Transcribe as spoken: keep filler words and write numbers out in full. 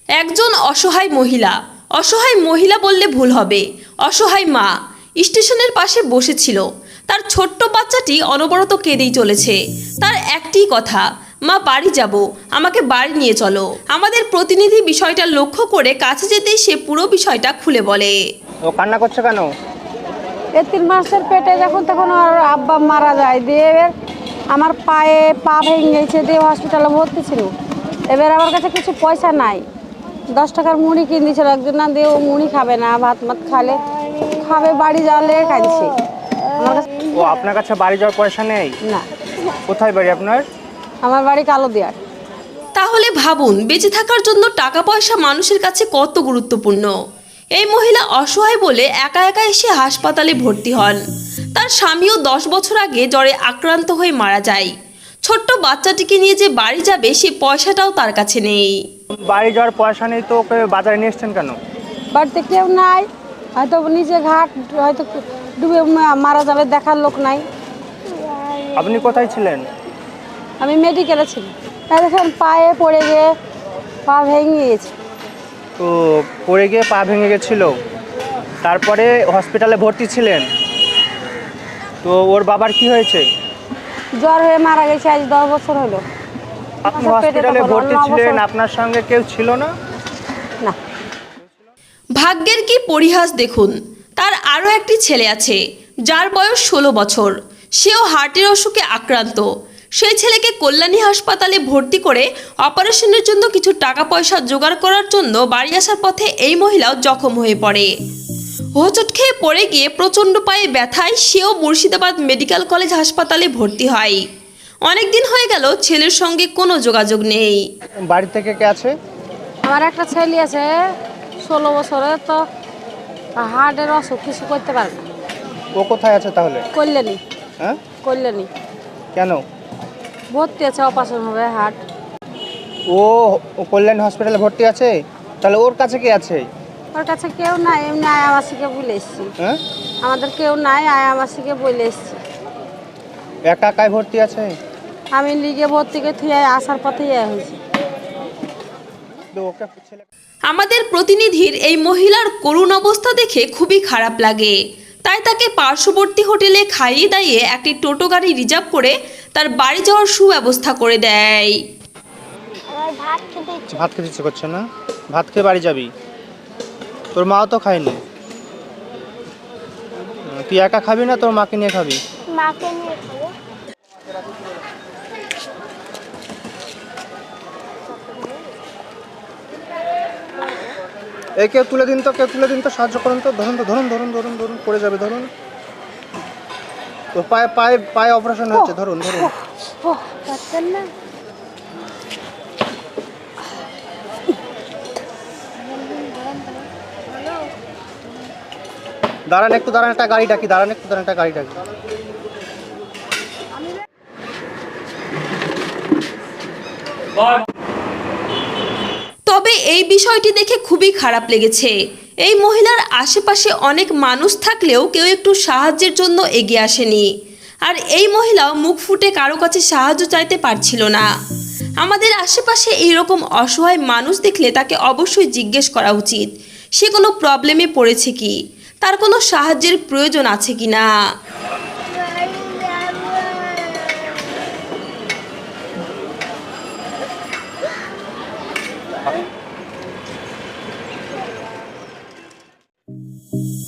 একজন অসহায় মহিলা, অসহায় মহিলা বললে ভুল হবে, অসহায় মা স্টেশনের পাশে বসেছিল। তার ছোট্ট বাচ্চাটি অনবরত কেঁদেই চলেছে। তার একটি কথা, মা বাড়ি যাব, আমাকে বাড়ি নিয়ে চলো। আমাদের প্রতিনিধি বিষয়টা লক্ষ্য করে কাছে যেতেই সে পুরো বিষয়টা খুলে বলে। ও কান্না করছে কেন? এই তিন মাসের পেটে যখন তখন ওর আব্বা মারা যায়, দিয়ে এবার আমার পায়ে পা ভেঙে গেছে, দিয়ে হসপিটালে ভর্তি ছিল। এবার আমার কাছে কিছু পয়সা নাই, দশ টাকার মুড়ি কিনে দিয়েছিল একজন, না দিয়ে ও মুড়ি খাবে না, ভাত মাত খালে খাবে, বাড়ি যাওয়ালে কাঁদছে। আমার কাছে ও আপনার কাছে বাড়ি যাওয়ার পয়সা নেই? না। কোথায় বাড়ি আপনার? আমার বাড়ি কালো দিয়ার। তাহলে ভাবুন, বেঁচে থাকার জন্য টাকা পয়সা মানুষের কাছে কত গুরুত্বপূর্ণ। এই মহিলা অসহায় বলে একা একা এসে হাসপাতালে ভর্তি হন। তার স্বামীও দশ বছর আগে জ্বরে আক্রান্ত হয়ে মারা যায়। ছোট্ট বাচ্চাটিকে নিয়ে যে বাড়ি যাবে সে পয়সাটাও তার কাছে নেই। বাড়ি যাওয়ার পয়সা নেই তো ওকে বাজারে নিয়ে এসছেন কেন? বাড়িতে কেউ নাই, হয়তো নিচে ঘাট হয়তো ডুবে মারা যাবে, দেখার লোক নাই। আপনি কোথায় ছিলেন? আমি মেডিকেলে ছিলাম। দেখেন পায়ে পড়ে গিয়ে পা ভেঙে গেছে। তো পড়ে গিয়ে পা ভেঙে গেছিল, তারপরে হসপিটালে ভর্তি ছিলেন। তো ওর বাবার কি হয়েছে? জ্বর হয়ে মারা গেছে, আজ দশ বছর হলো। আপনি হসপিটালে ভর্তি ছিলেন, আপনার সঙ্গে কেউ ছিল না? না। ভাগ্যের কি পরিহাস দেখুন, তার আরও একটি ছেলে আছে যার বয়স ষোলো বছর। সেও হার্টের অসুখে আক্রান্ত। সেই ছেলেকে কল্যাণী হাসপাতালে ভর্তি করে অপারেশনের জন্য কিছু টাকা পয়সা জোগাড় করার জন্য বাড়ি আসার পথে এই মহিলাও জখম হয়ে পড়ে। হোঁচট খেয়ে পড়ে গিয়ে প্রচণ্ড পায়ে ব্যথায় সেও মুর্শিদাবাদ মেডিকেল কলেজ হাসপাতালে ভর্তি হয়। অনেক দিন হয়ে গেল ছেলের সঙ্গে কোনো যোগাযোগ নেই। বাড়ি থেকে কে আছে? আমার একটা ছেলে আছে ষোলো বছরে, তো হার্টের অসুখ, কিছু করতে পারে না। ও কোথায় আছে তাহলে? কল্যাণী। হ্যাঁ, কল্যাণী কেন? ভর্তি আছে, অপারেশন হবে হার্ট। ও ও কল্যাণ হসপিটালে ভর্তি আছে, তাহলে ওর কাছে কে আছে? ওর কাছে কেউ নাই, এমনি আয়ামাসিকে বলে এসছি। হ্যাঁ, আমাদের কেউ নাই, আয়ামাসিকে বলে এসছি। একা একাই ভর্তি আছে? আমি লিগে ভর্তি করে থুয়ে আসার পথে ইয়ে হয়েছি। তো ওকে ছেলে আমাদের প্রতিনিধির এই মহিলার করুণ অবস্থা দেখে খুবই খারাপ লাগে। তাই তাকে পার্শ্ববর্তী হোটেলে খাইয়ে দাইয়ে একটি টোটো গাড়ি রিজার্ভ করে তার বাড়ি যাওয়ার সুব্যবস্থা করে দেয়। ভাত খেতে ইচ্ছে করছে না? ভাত খেয়ে বাড়ি যাবি? তোর মাও তো খায়নি। তুই একা খাবি না তোর মাকে নিয়ে খাবি? মাকে নিয়ে খাবো। এই কেউ তুলে দিন তো, কেউ তুলে দিন তো, সাহায্য করুন তো। ধরুন তো, ধরুন ধরুন ধরুন ধরুন, পড়ে যাবে, ধরুন। তো পায়ে পায়ে পায়ে অপারেশন হচ্ছে, ধরুন ধরুন। ও পারতেন না। দাঁড়ান একটু, দাঁড়ান, একটা গাড়ি ডাকি, দাঁড়ান একটু, দাঁড়ান, একটা গাড়ি ডাকি। তবে এই বিষয়টি দেখে খুবই খারাপ লেগেছে। এই মহিলার আশেপাশে অনেক মানুষ থাকলেও কেউ একটু সাহায্যের জন্য এগিয়ে আসেনি। আর এই মহিলাও মুখ ফুটে কারো কাছে সাহায্য চাইতে পারছিল না। আমাদের আশেপাশে এইরকম অসহায় মানুষ দেখলে তাকে অবশ্যই জিজ্ঞেস করা উচিত সে কোনো প্রবলেমে পড়েছে কি, তার কোনো সাহায্যের প্রয়োজন আছে কি না। Thank you.